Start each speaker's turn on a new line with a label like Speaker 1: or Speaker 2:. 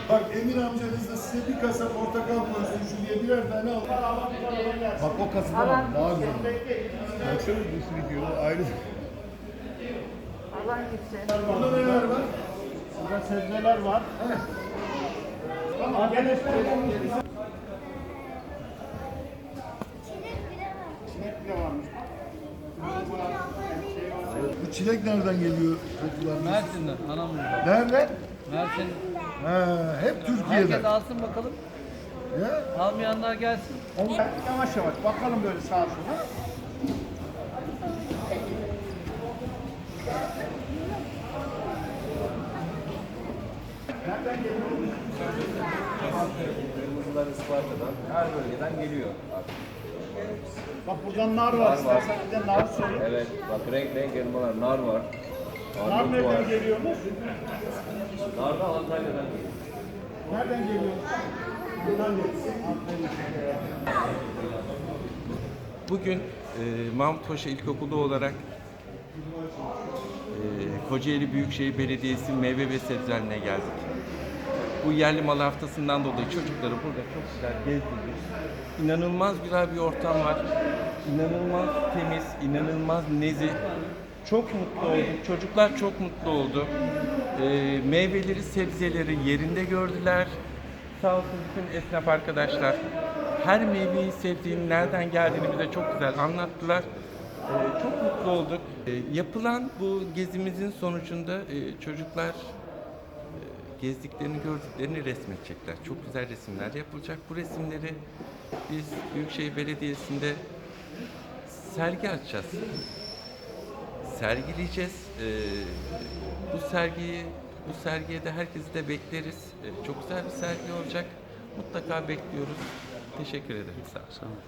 Speaker 1: Bak Emir amcanız da size bir kasa portakal koysun şu diye birer tane al. Bak o kasadan al. Daha güzel. Baksana bir sürü diyor. Ayrı.
Speaker 2: Alan gitsin.
Speaker 1: Burada neler var?
Speaker 3: Burada sebzeler var. Tamam, gel. Çilek bile varmış.
Speaker 1: Bu çilek nereden geliyor çocuklar?
Speaker 4: Mersin'den, Anamur'dan.
Speaker 1: Nereden?
Speaker 4: Mersin.
Speaker 1: Ha, hep
Speaker 4: Herkes
Speaker 1: Türkiye'den.
Speaker 4: alsın bakalım.
Speaker 1: Ya?
Speaker 4: Almayanlar gelsin.
Speaker 3: Yavaş yavaş bakalım böyle sağa sola.
Speaker 5: Kırmızılar Isparta'dan, her bölgeden geliyor artık.
Speaker 3: Bak buradan nar var. İstersen bir de nar söyle.
Speaker 5: Evet, bak renk renk elmalar, nar var.
Speaker 3: Nar
Speaker 5: Armut var.
Speaker 3: nereden geliyormuş?
Speaker 5: Nar da Antalya'dan geliyor.
Speaker 3: Nereden geliyor? Buradan geliyor.
Speaker 6: Bugün Mahmut Paşa İlkokulu olarak Kocaeli Büyükşehir Belediyesi meyve ve sebzelerine geldik. Bu yerli mal haftasından dolayı çocukları burada çok güzel gezdirdik. İnanılmaz güzel bir ortam var. İnanılmaz temiz, inanılmaz nezih. Çok mutlu olduk. Çocuklar çok mutlu oldu. Meyveleri, sebzeleri yerinde gördüler. Sağ olsun bütün esnaf arkadaşlar her meyveyi, sebzenin nereden geldiğini bize çok güzel anlattılar. Çok mutlu olduk. Yapılan bu gezimizin sonucunda çocuklar gezdiklerini, gördüklerini resmedecekler. Çok güzel resimler yapılacak. Bu resimleri biz Büyükşehir Belediyesi'nde sergi açacağız. Sergileyeceğiz. Bu sergiye de herkesi de bekleriz. Çok güzel bir sergi olacak. Mutlaka bekliyoruz. Teşekkür ederim. Sağ olun.